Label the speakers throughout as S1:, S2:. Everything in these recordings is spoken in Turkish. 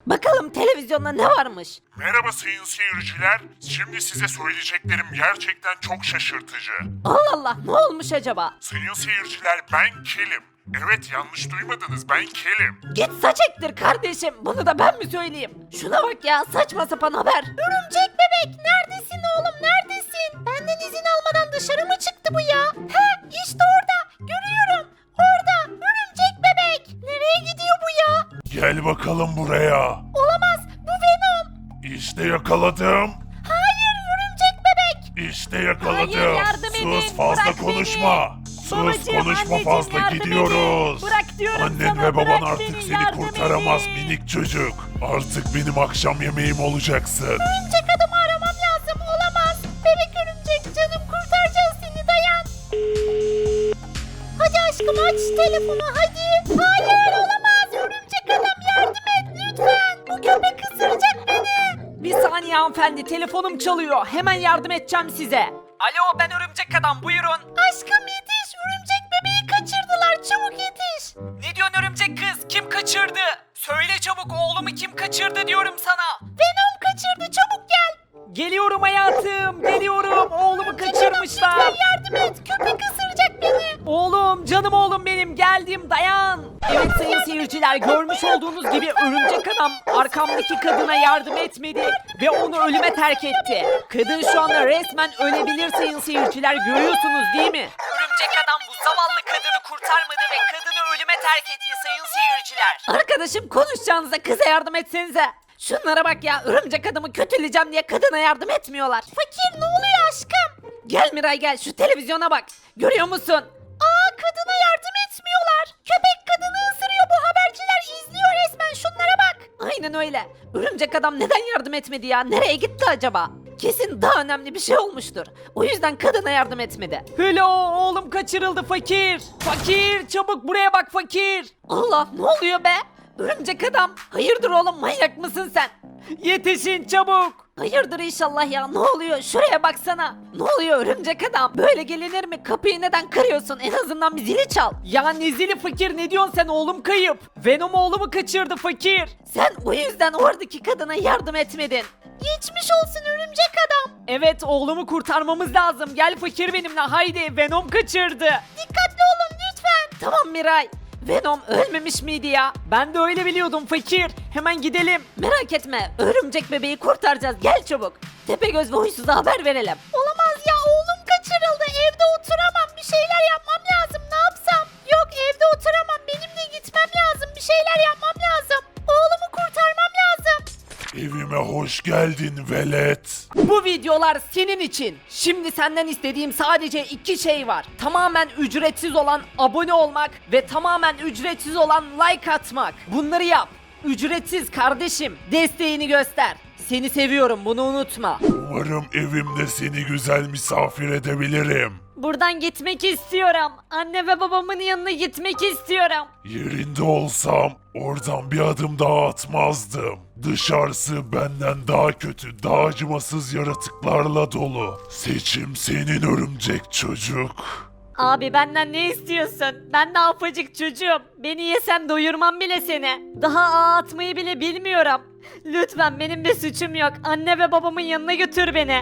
S1: Bakalım televizyonda ne varmış?
S2: Merhaba sayın seyirciler. Şimdi size söyleyeceklerim gerçekten çok şaşırtıcı.
S1: Allah Allah, ne olmuş acaba?
S2: Sayın seyirciler, ben Kelim. Evet, yanlış duymadınız, ben Kelim.
S1: Git saç ektir kardeşim. Bunu da ben mi söyleyeyim? Şuna bak ya, saçma sapan haber. Örümcek bebek, neredesin oğlum, neredesin? Benden izin almadan dışarı mı çıktı bu ya? Ha, işte orada. Görüyorum. Orada. Örümcek bebek. Nereye gidiyor bu ya?
S2: Gel bakalım buraya.
S1: Olamaz. Bu Venom.
S2: İşte yakaladım.
S1: Hayır, örümcek bebek.
S2: İşte yakaladım.
S1: Hayır, yardım edin,
S2: Sus, fazla
S1: bırak
S2: konuşma.
S1: beni.
S2: Sus,
S1: Babacığım,
S2: konuşma,
S1: anneciğim,
S2: fazla
S1: yardım
S2: gidiyoruz.
S1: edin. Bırak diyorum
S2: Annen
S1: sana,
S2: ve baban
S1: bırak
S2: artık
S1: beni,
S2: seni
S1: yardım
S2: kurtaramaz
S1: edin.
S2: minik çocuk. Artık benim akşam yemeğim olacaksın.
S1: Örümcek adamı aramam lazım. Olamaz. Bebek örümcek, canım, kurtaracağız seni, dayan. Hadi aşkım, aç telefonu hadi. Hayır, olamaz. Örümcek adam, yardım et lütfen. Bu köpek ısıracak beni. Bir saniye hanımefendi, telefonum çalıyor. Hemen yardım edeceğim size. Alo, ben örümcek adam, buyurun. Aşkım yetiş, örümcek bebeği kaçırdılar, çabuk yetiş. Ne diyorsun örümcek kız, kim kaçırdı? Söyle çabuk, oğlumu kim kaçırdı diyorum sana. Venom kaçırdı, çabuk gel. Geliyorum hayatım, geliyorum. Oğlumu kaçırmışlar. Lütfen yardım et, köpek ısıracak beni. Oğlum, canım oğlum benim, geldim, dayan. Evet sayın seyirciler, görmüş olduğunuz gibi örümcek adam arkamdaki kadına yardım etmedi ve onu ölüme terk etti. Kadın şu anda resmen ölebilir sayın seyirciler, görüyorsunuz değil mi? Örümcek adam bu zavallı kadını kurtarmadı ve kadını ölüme terk etti sayın seyirciler. Arkadaşım, konuşacağınıza kıza yardım etsenize. Şunlara bak ya, örümcek adamı kötüleyeceğim diye kadına yardım etmiyorlar. Fakir, ne oluyor aşkım? Gel Miray, gel, şu televizyona bak. Görüyor musun? Aa, kadına yardım etmiyorlar. Köpek kadını ısırıyor, bu haberciler izliyor resmen, şunlara bak. Aynen öyle. Örümcek adam neden yardım etmedi ya? Nereye gitti acaba? Kesin daha önemli bir şey olmuştur. O yüzden kadına yardım etmedi. Hello, oğlum kaçırıldı fakir. Fakir, çabuk buraya bak fakir. Allah, ne oluyor be? Örümcek adam, hayırdır oğlum, manyak mısın sen? Yetişin çabuk. Hayırdır inşallah ya, ne oluyor, şuraya baksana. Ne oluyor örümcek adam, böyle gelinir mi? Kapıyı neden kırıyorsun, en azından bir zili çal. Ya ne zili fakir, ne diyorsun sen, oğlum kayıp. Venom oğlumu kaçırdı fakir. Sen o yüzden oradaki kadına yardım etmedin. Geçmiş olsun örümcek adam. Evet, oğlumu kurtarmamız lazım, gel fakir benimle, haydi, Venom kaçırdı. Dikkatli olun lütfen. Tamam Miray. Venom ölmemiş miydi ya? Ben de öyle biliyordum fakir. Hemen gidelim. Merak etme, örümcek bebeği kurtaracağız, gel çabuk. Tepegöz ve Huysuz'a haber verelim. Olamaz ya, oğlum kaçırıldı. Evde oturamam, bir şeyler yapmam lazım. Ne yapsam? Yok, evde oturamam, benim de gitmem lazım. Bir şeyler yapmam lazım. Oğlumu kurtarmam lazım.
S2: Evime hoş geldin velet.
S1: Bu videolar senin için. Şimdi senden istediğim sadece iki şey var. Tamamen ücretsiz olan abone olmak ve tamamen ücretsiz olan like atmak. Bunları yap. Ücretsiz kardeşim. Desteğini göster. Seni seviyorum, bunu unutma.
S2: Umarım evimde seni güzel misafir edebilirim.
S1: Buradan gitmek istiyorum. Anne ve babamın yanına gitmek istiyorum.
S2: Yerinde olsam oradan bir adım daha atmazdım. Dışarısı benden daha kötü, daha acımasız yaratıklarla dolu. Seçim senin örümcek çocuk.
S1: Abi benden ne istiyorsun? Ben de afacık çocuğum. Beni yesem doyurmam bile seni. Daha ağ atmayı bile bilmiyorum. Lütfen, benim bir suçum yok. Anne ve babamın yanına götür beni.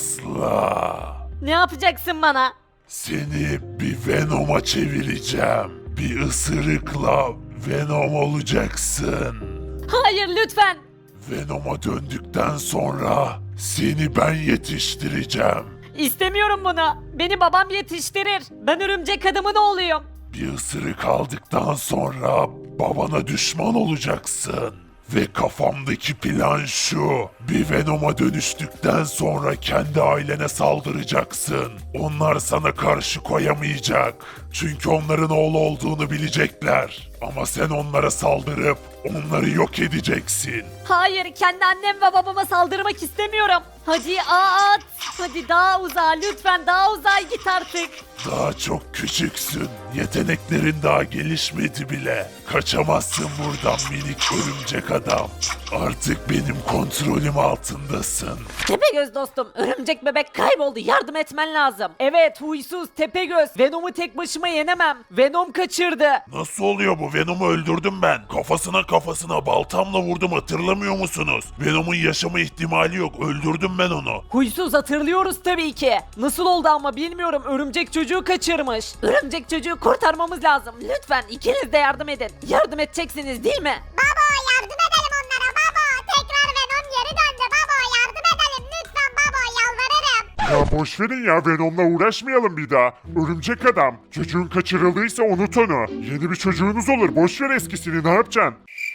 S2: Asla.
S1: Ne yapacaksın bana?
S2: Seni bir Venom'a çevireceğim. Bir ısırıkla Venom olacaksın.
S1: Hayır, lütfen.
S2: Venom'a döndükten sonra seni ben yetiştireceğim.
S1: İstemiyorum bunu. Beni babam yetiştirir. Ben örümcek adamın oğluyum.
S2: Bir ısırık aldıktan sonra babana düşman olacaksın. Ve kafamdaki plan şu. Bir Venom'a dönüştükten sonra kendi ailene saldıracaksın. Onlar sana karşı koyamayacak. Çünkü onların oğlu olduğunu bilecekler. Ama sen onlara saldırıp onları yok edeceksin.
S1: Hayır, kendi annem ve babama saldırmak istemiyorum. Hadi at. Hadi daha uzağa, lütfen daha uzağa git artık.
S2: Daha çok küçüksün. Yeteneklerin daha gelişmedi bile. Kaçamazsın buradan minik örümcek adam. Artık benim kontrolüm altındasın. Tepegöz
S1: Tepegöz dostum, örümcek bebek kayboldu, yardım etmen lazım. Evet huysuz Tepegöz, Venom'u tek başıma yenemem. Venom kaçırdı.
S2: Nasıl oluyor bu? Venom'u öldürdüm ben. Kafasına baltamla vurdum, hatırlamıyor musunuz? Venom'un yaşama ihtimali yok. Öldürdüm ben onu.
S1: Huysuz hatırlıyoruz tabii ki. Nasıl oldu ama bilmiyorum, örümcek çocuğu kaçırmış. Örümcek çocuğu kurtarmamız lazım. Lütfen ikiniz de yardım edin. Yardım edeceksiniz değil mi?
S3: Baba yardım edelim onlara baba. Tekrar Venom geri döndü baba. Yardım edelim lütfen baba yalvarırım.
S4: Ya boş verin ya, Venom'la uğraşmayalım bir daha. Örümcek adam. Çocuğun kaçırıldıysa unut onu. Yeni bir çocuğunuz olur. Boş ver eskisini, ne yapacaksın?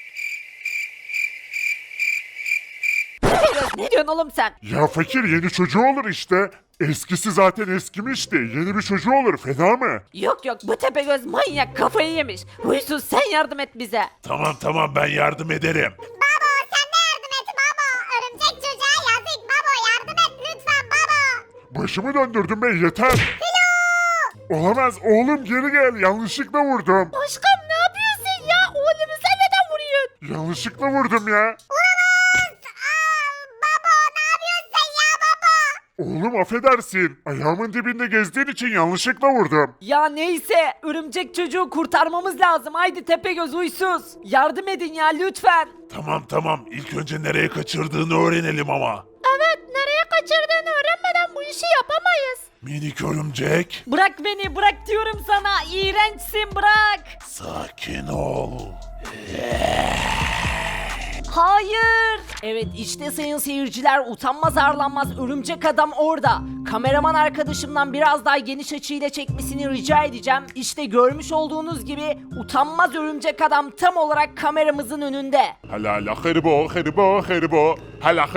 S1: Tepegöz ne diyorsun oğlum sen?
S4: Ya fakir, yeni çocuğu olur işte. Eskisi zaten eskimişti. Yeni bir çocuğu olur, fena mı?
S1: Yok yok, bu Tepegöz manyak, kafayı yemiş. Huysuz sen yardım et bize.
S2: Tamam ben yardım ederim.
S3: Baba sen de yardım et baba. Örümcek çocuğa yazık baba. Yardım et lütfen baba.
S4: Başımı döndürdüm ben, yeter. Olamaz oğlum, geri gel. Yanlışlıkla vurdum.
S1: Aşkım ne yapıyorsun ya? Oğlumu sen neden vuruyorsun?
S4: Yanlışlıkla vurdum ya.
S3: Baba ne yapıyorsun sen ya baba?
S4: Oğlum affedersin. Ayağımın dibinde gezdiğin için yanlışlıkla vurdum.
S1: Ya neyse, örümcek çocuğu kurtarmamız lazım. Haydi Tepegöz huysuz. Yardım edin ya lütfen.
S2: Tamam. İlk önce nereye kaçırdığını öğrenelim ama.
S1: Evet, nereye kaçırdığını öğrenmeden bu işi yapamayız.
S2: Minik örümcek,
S1: Bırak beni, bırak diyorum sana. İğrençsin, bırak.
S2: sakin ol.
S1: Hayır. Evet işte sayın seyirciler, utanmaz arlanmaz örümcek adam orada. Kameraman arkadaşımdan biraz daha geniş açıyla çekmesini rica edeceğim. İşte görmüş olduğunuz gibi utanmaz örümcek adam tam olarak kameramızın önünde.
S4: Hala haribo. Hala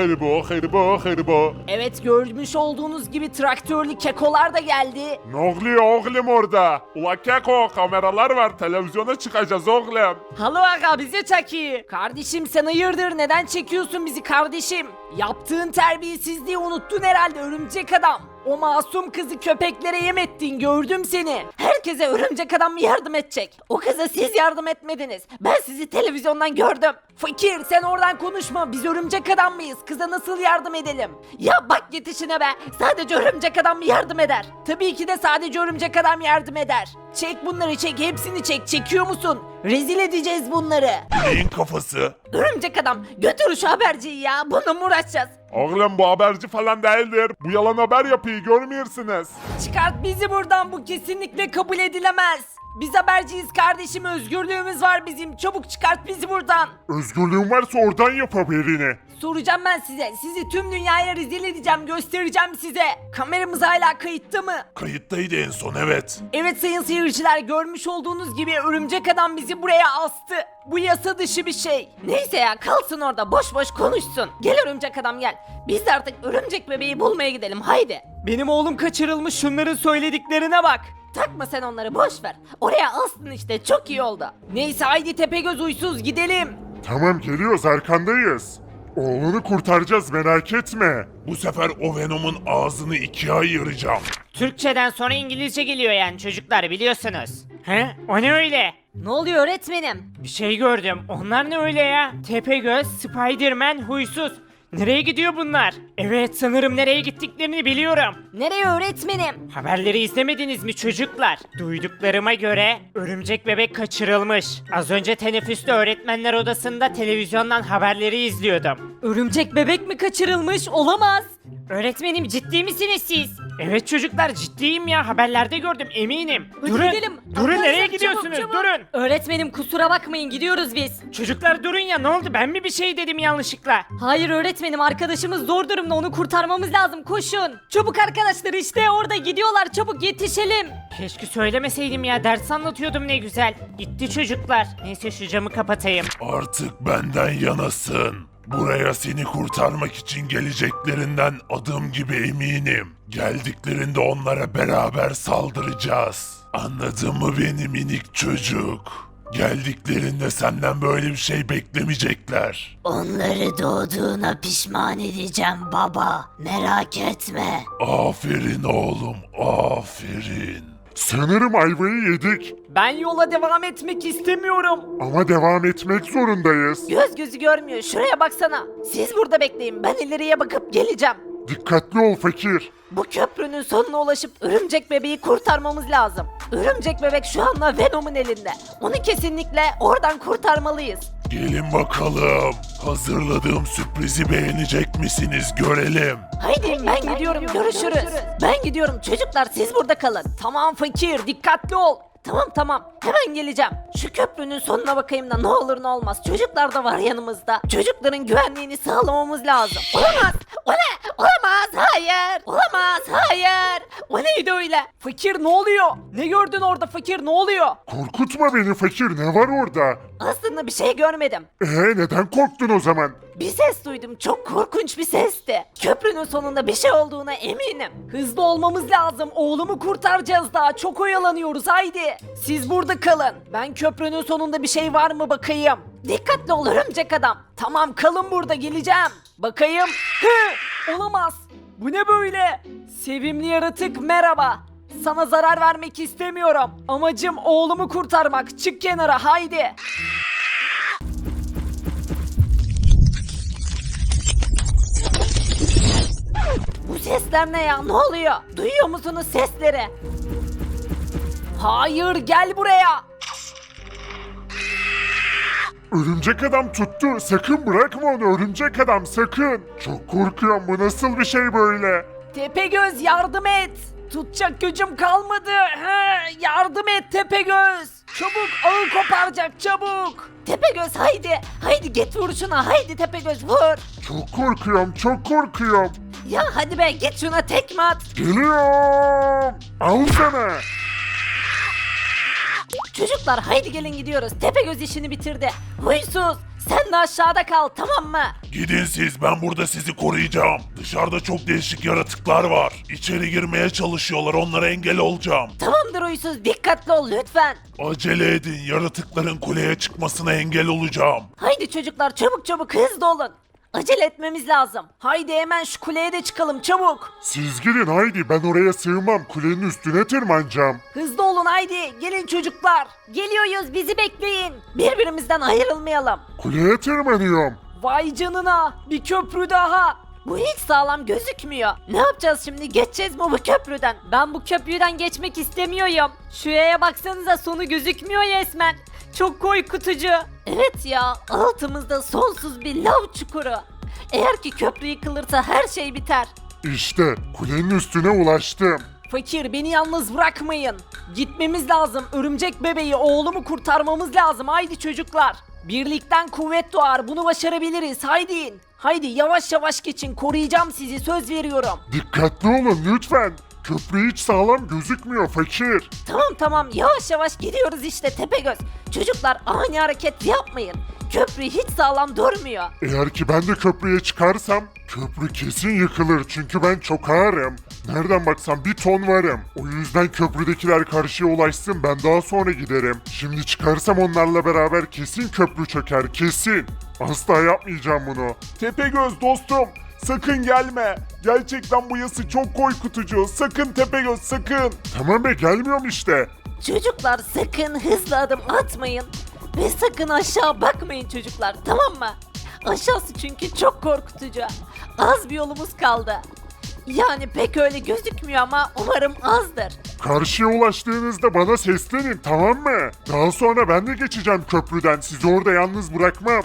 S4: haribo.
S1: Evet, görmüş olduğunuz gibi traktörlü kekolar da geldi.
S4: Ne oluyor oğlum orada? Ula keko, kameralar var, televizyona çıkacağız oğlum.
S1: Halo aga, bize çeki. Kardeşim sen hayırdır, neden çekiyorsun bizi kardeşim? Yaptığın terbiyesizliği unuttun herhalde örümcek adam. O masum kızı köpeklere yem ettin, gördüm seni. Herkese örümcek adam yardım edecek. O kıza siz yardım etmediniz. Ben sizi televizyondan gördüm. Fakir sen oradan konuşma, biz örümcek adam mıyız? Kıza nasıl yardım edelim? Ya bak yetişine be, sadece örümcek adam mı yardım eder? Tabii ki de sadece örümcek adam yardım eder. Çek bunları, çek hepsini çek, çekiyor musun? Rezil edeceğiz bunları.
S2: Neyin kafası?
S1: Örümcek adam götür şu haberciyi ya, bununla mı uğraşacağız?
S4: Oğlum bu haberci falan değildir. Bu yalan haber yapıyı görmüyorsunuz.
S1: Çıkart bizi buradan, bu kesinlikle kabul edilemez. Biz haberciyiz kardeşim, özgürlüğümüz var bizim, çabuk çıkart bizi buradan.
S4: Özgürlüğün varsa oradan yap haberini.
S1: Soracağım ben size, sizi tüm dünyaya rezil edeceğim, göstereceğim size. Kameramız hala kayıtta mı?
S2: Kayıttaydı en son, evet.
S1: Evet sayın seyirciler, görmüş olduğunuz gibi örümcek adam bizi buraya astı. Bu yasa dışı bir şey. Neyse ya, kalsın orada boş boş konuşsun. Gel örümcek adam gel. Biz de artık örümcek bebeği bulmaya gidelim, haydi. Benim oğlum kaçırılmış, şunların söylediklerine bak. Takma sen onları, boş ver. Oraya astın işte, çok iyi oldu. Neyse haydi Tepegöz huysuz, gidelim.
S4: Tamam, geliyoruz, arkandayız. Oğlunu kurtaracağız, merak etme.
S2: Bu sefer o Venom'un ağzını ikiye ayıracağım.
S5: Türkçeden sonra İngilizce geliyor yani çocuklar, biliyorsunuz. He? O ne öyle?
S1: Ne oluyor öğretmenim?
S5: Bir şey gördüm. Onlar ne öyle ya? Tepegöz, Spiderman, huysuz. Nereye gidiyor bunlar? Evet, sanırım nereye gittiklerini biliyorum.
S1: Nereye öğretmenim?
S5: Haberleri izlemediniz mi çocuklar? Duyduklarıma göre örümcek bebek kaçırılmış. Az önce teneffüste öğretmenler odasında televizyondan haberleri izliyordum.
S1: Örümcek bebek mi kaçırılmış? Olamaz.
S5: Öğretmenim, ciddi misiniz siz? Evet çocuklar, ciddiyim ya, haberlerde gördüm eminim.
S1: Hadi
S5: Durun,
S1: gidelim.
S5: durun, nereye
S1: Arkadaşlar,
S5: gidiyorsunuz?
S1: çabuk, çabuk.
S5: Durun.
S1: Öğretmenim kusura bakmayın, gidiyoruz biz.
S5: Çocuklar durun ya, ne oldu, ben mi bir şey dedim yanlışlıkla?
S1: Hayır öğretmenim, arkadaşımız zor durumda, onu kurtarmamız lazım, koşun. Çabuk arkadaşlar, işte orada gidiyorlar, çabuk yetişelim.
S5: Keşke söylemeseydim ya, ders anlatıyordum ne güzel. Gitti çocuklar. Neyse şu camı kapatayım.
S2: Artık benden yanasın. Buraya seni kurtarmak için geleceklerinden adım gibi eminim. Geldiklerinde onlara beraber saldıracağız. Anladın mı beni minik çocuk? Geldiklerinde senden böyle bir şey beklemeyecekler.
S6: Onları doğduğuna pişman edeceğim baba. Merak etme.
S2: Aferin oğlum, aferin.
S4: Sanırım ayvayı yedik.
S1: Ben yola devam etmek istemiyorum.
S4: Ama devam etmek zorundayız.
S1: Göz gözü görmüyor, şuraya baksana. Siz burada bekleyin, ben ileriye bakıp geleceğim.
S4: Dikkatli ol fakir.
S1: Bu köprünün sonuna ulaşıp örümcek bebeği kurtarmamız lazım. Örümcek bebek şu anda Venom'un elinde. Onu kesinlikle oradan kurtarmalıyız.
S2: Gelin bakalım. Hazırladığım sürprizi beğenecek misiniz görelim.
S1: Haydi ben gidiyorum, görüşürüz. Ben gidiyorum, çocuklar siz burada kalın. Tamam fakir, dikkatli ol. Tamam hemen geleceğim. Şu köprünün sonuna bakayım da ne olur ne olmaz. Çocuklar da var yanımızda. Çocukların güvenliğini sağlamamız lazım. Olamaz. O ne? Olamaz. Hayır. Olamaz. Hayır. O neydi öyle? Fakir ne oluyor? Ne gördün orada fakir ne oluyor?
S4: Korkutma beni fakir, ne var orada?
S1: Aslında bir şey görmedim.
S4: Neden korktun o zaman?
S1: Bir ses duydum. Çok korkunç bir sesti. Köprünün sonunda bir şey olduğuna eminim. Hızlı olmamız lazım. Oğlumu kurtaracağız daha. Çok oyalanıyoruz. Haydi. Siz burada kalın. Ben köprünün sonunda bir şey var mı bakayım. Dikkatli ol örümcek adam. Tamam kalın burada geleceğim. Bakayım. Olamaz. Bu ne böyle? Sevimli yaratık merhaba. Sana zarar vermek istemiyorum. Amacım oğlumu kurtarmak. Çık kenara haydi. Bu sesler ne ya? Ne oluyor? Duyuyor musunuz sesleri? Hayır, gel buraya.
S4: Örümcek adam tuttu. Sakın bırakma onu örümcek adam, sakın. Çok korkuyorum, bu nasıl bir şey böyle?
S1: Tepegöz yardım et. Tutacak gücüm kalmadı. Yardım et Tepegöz. Çabuk ağı koparacak çabuk. Tepegöz haydi. Haydi git vur şuna. Haydi Tepegöz vur.
S4: Çok korkuyorum, çok korkuyorum.
S1: Ya hadi be git şuna tekme at.
S4: Geliyorum. Al sana.
S1: Çocuklar haydi gelin gidiyoruz. Tepegöz işini bitirdi. Huysuz sen de aşağıda kal tamam mı?
S2: Gidin siz, ben burada sizi koruyacağım. Dışarıda çok değişik yaratıklar var. İçeri girmeye çalışıyorlar, onlara engel olacağım.
S1: Tamamdır Huysuz dikkatli ol lütfen.
S2: Acele edin, yaratıkların kuleye çıkmasına engel olacağım.
S1: Haydi çocuklar çabuk hızlı olun. Acele etmemiz lazım. Haydi hemen şu kuleye de çıkalım çabuk.
S4: Siz gidin haydi, ben oraya sığmam, kulenin üstüne tırmanacağım.
S1: Hızlı olun haydi. Gelin çocuklar. Geliyoruz bizi bekleyin. Birbirimizden ayrılmayalım.
S4: Kuleye tırmanıyorum.
S1: Vay canına bir köprü daha. Bu hiç sağlam gözükmüyor. Ne yapacağız şimdi? Geçeceğiz mi bu köprüden? Ben bu köprüden geçmek istemiyorum. Şuraya baksanıza sonu gözükmüyor resmen. Çok korkutucu. Evet ya altımızda sonsuz bir lav çukuru. Eğer ki köprü yıkılırsa her şey biter.
S4: İşte kulenin üstüne ulaştım.
S1: Fakir beni yalnız bırakmayın. Gitmemiz lazım. Örümcek bebeği oğlumu kurtarmamız lazım. Haydi çocuklar. Birlikten kuvvet doğar. Bunu başarabiliriz. Haydi. Haydi yavaş yavaş geçin. Koruyacağım sizi. Söz veriyorum.
S4: Dikkatli olun lütfen. Köprü hiç sağlam gözükmüyor fakir.
S1: Tamam yavaş yavaş gidiyoruz işte Tepegöz. Çocuklar ani hareket yapmayın. Köprü hiç sağlam durmuyor.
S4: Eğer ki ben de köprüye çıkarsam köprü kesin yıkılır çünkü ben çok ağırım. Nereden baksam 1 ton varım. O yüzden köprüdekiler karşıya ulaşsın, ben daha sonra giderim. Şimdi çıkarsam onlarla beraber kesin köprü çöker, kesin. Asla yapmayacağım bunu.
S7: Tepegöz dostum, sakın gelme. Gerçekten bu yası çok korkutucu. Sakın Tepegöz, sakın.
S4: Tamam be, gelmiyorum işte.
S1: Çocuklar sakın hızlı adım atmayın. Ve sakın aşağı bakmayın çocuklar tamam mı? Aşağısı çünkü çok korkutucu. Az bir yolumuz kaldı. Yani pek öyle gözükmüyor ama umarım azdır.
S4: Karşıya ulaştığınızda bana seslenin, tamam mı? Daha sonra ben de geçeceğim köprüden, sizi orada yalnız bırakmam.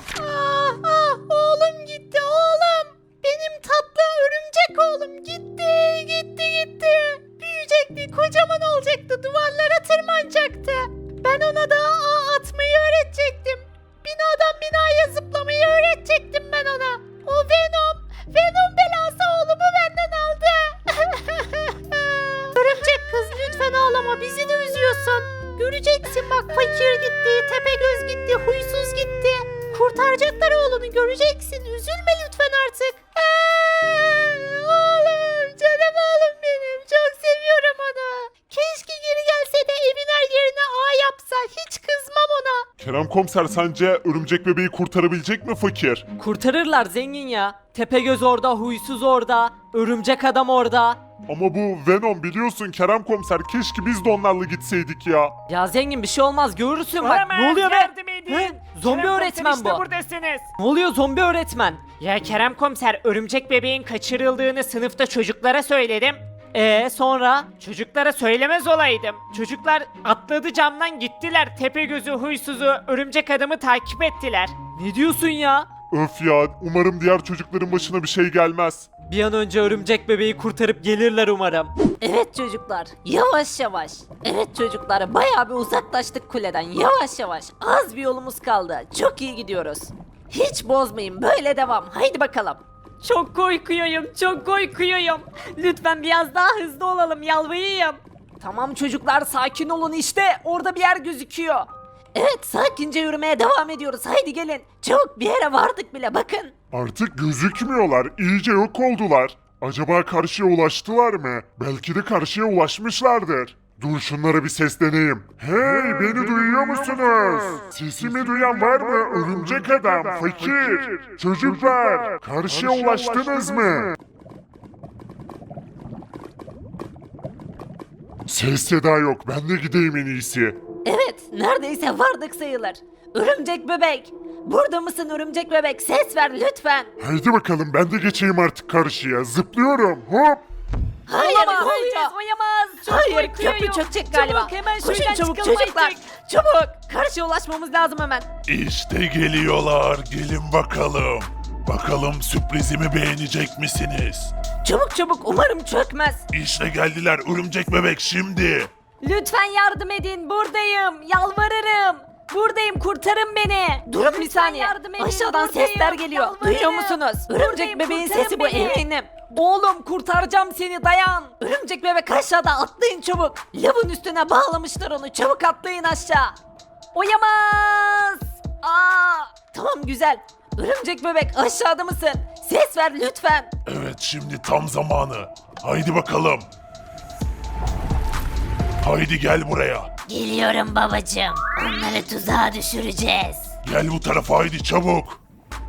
S1: Oğlum gitti oğlum. Benim tatlı örümcek oğlum gitti. Büyüyecekti, kocaman olacaktı, duvarlara tırmanacaktı. Ben ona da ağ atmayı öğretecektim. Binadan binaya zıplamayı öğretecektim ben ona. O Venom belası oğlumu benden aldı. Örümcek kız lütfen ağlama, bizi de üzüyorsun. Göreceksin bak fakir gitti, Tepegöz gitti, huysuz gitti. Kurtaracaklar oğlunu göreceksin, üzülme lütfen artık. Oğlum, canım oğlum benim, çok seviyorum onu. Keşke geri gelse de evin her yerine ağ yapsa, hiç kızmam ona.
S7: Kerem komiser, sence örümcek bebeği kurtarabilecek mi fakir?
S1: Kurtarırlar zengin ya. Tepegöz orada, huysuz orada, örümcek adam orada.
S7: Ama bu Venom biliyorsun Kerem komiser keşke biz de onlarla gitseydik ya.
S1: Ya zengin bir şey olmaz görürsün bak.
S5: Olamaz,
S1: Ne oluyor be?
S5: yardım edin.
S1: He? Zombi
S5: Kerem
S1: öğretmen
S5: komiser, işte
S1: bu.
S5: buradasınız.
S1: Ne oluyor zombi öğretmen?
S5: Ya Kerem komiser örümcek bebeğin kaçırıldığını sınıfta çocuklara söyledim.
S1: Sonra?
S5: Çocuklara söylemez olaydım. Çocuklar atladı camdan gittiler. Tepegöz'ü, huysuzu, örümcek adamı takip ettiler.
S1: Ne diyorsun ya?
S7: Öf ya umarım diğer çocukların başına bir şey gelmez.
S1: Bir an önce örümcek bebeği kurtarıp gelirler umarım. Evet çocuklar, yavaş yavaş. Evet çocuklar, bayağı bir uzaklaştık kuleden. Yavaş yavaş. Az bir yolumuz kaldı. Çok iyi gidiyoruz. Hiç bozmayın, böyle devam. Haydi bakalım. Çok korkuyorum, çok korkuyorum. Lütfen biraz daha hızlı olalım, yalvarayım. Tamam çocuklar, sakin olun işte. Orada bir yer gözüküyor. Evet, sakince yürümeye devam ediyoruz. Haydi gelin. Çabuk bir yere vardık bile, bakın.
S4: Artık gözükmüyorlar, iyice yok oldular. Acaba karşıya ulaştılar mı? Belki de karşıya ulaşmışlardır. Dur şunlara bir sesleneyim. Hey beni duyuyor musunuz? Sesimi duyan var mı? Örümcek adam, fakir. Çocuklar, karşıya ulaştınız mı? Ses seda yok, ben de gideyim en iyisi.
S1: Evet, neredeyse vardık sayılır. Örümcek bebek. Burada mısın örümcek bebek? Ses ver lütfen.
S4: Haydi bakalım ben de geçeyim artık karşıya. Zıplıyorum, hop.
S1: Hayır,
S6: Olamaz.
S1: oyamaz. Hayır, köprü çökecek galiba.
S6: Çabuk, hemen
S1: Koşun
S6: şuradan
S1: çabuk
S6: çıkalım
S1: çocuklar.
S6: artık.
S1: Çabuk. Karşıya ulaşmamız lazım hemen.
S2: İşte geliyorlar. Gelin bakalım. Bakalım sürprizimi beğenecek misiniz?
S1: Çabuk çabuk, umarım çökmez.
S2: İşte geldiler örümcek bebek şimdi.
S1: Lütfen yardım edin, buradayım. Yalvarırım. Buradayım, kurtarın beni. Durun bir saniye.
S6: yardım edin,
S1: Aşağıdan
S6: buradayım.
S1: sesler geliyor.
S6: Yalvarırım.
S1: Duyuyor musunuz? Örümcek
S6: Buradayım,
S1: bebeğin
S6: kurtarın
S1: sesi bu,
S6: beni.
S1: eminim. Oğlum kurtaracağım seni, dayan. Örümcek bebek aşağıda, atlayın çabuk. Lavın üstüne bağlamışlar onu, çabuk atlayın aşağı. Oyamaz. Tamam güzel. Örümcek bebek aşağıda mısın? Ses ver lütfen.
S2: Evet şimdi tam zamanı. Haydi bakalım. Haydi gel buraya.
S6: Geliyorum babacığım. Onları tuzağa düşüreceğiz.
S2: Gel bu tarafa haydi çabuk.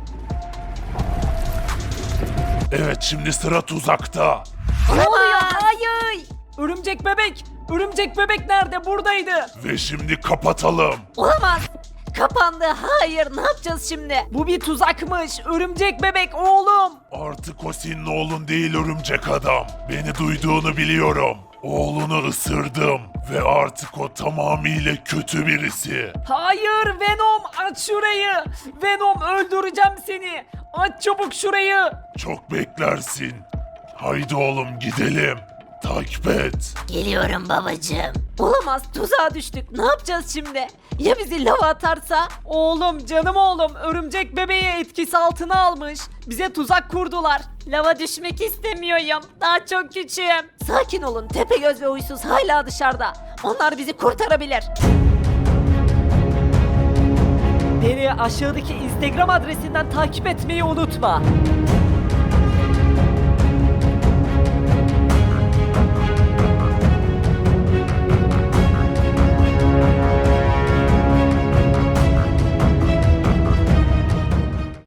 S2: Evet şimdi sıra tuzakta.
S1: Ne oluyor? Hayır. Örümcek bebek. Örümcek bebek nerede? Buradaydı.
S2: Ve şimdi kapatalım.
S1: Olamaz. Kapandı. Hayır, ne yapacağız şimdi? Bu bir tuzakmış. Örümcek bebek oğlum.
S2: Artık o senin oğlun değil örümcek adam. Beni duyduğunu biliyorum. Oğlunu ısırdım ve artık o tamamıyla kötü birisi.
S1: Hayır Venom, aç şurayı. Venom, öldüreceğim seni. Aç çabuk şurayı.
S2: Çok beklersin. Haydi oğlum gidelim. Takip et.
S6: Geliyorum babacığım.
S1: Olamaz, tuzağa düştük. Ne yapacağız şimdi? Ya bizi lava atarsa? Oğlum, canım oğlum, örümcek bebeği etkisi altına almış. Bize tuzak kurdular. Lava düşmek istemiyorum. Daha çok küçüğüm. Sakin olun, Tepegöz ve Huysuz hala dışarıda. Onlar bizi kurtarabilir. Beni aşağıdaki Instagram adresinden takip etmeyi unutma.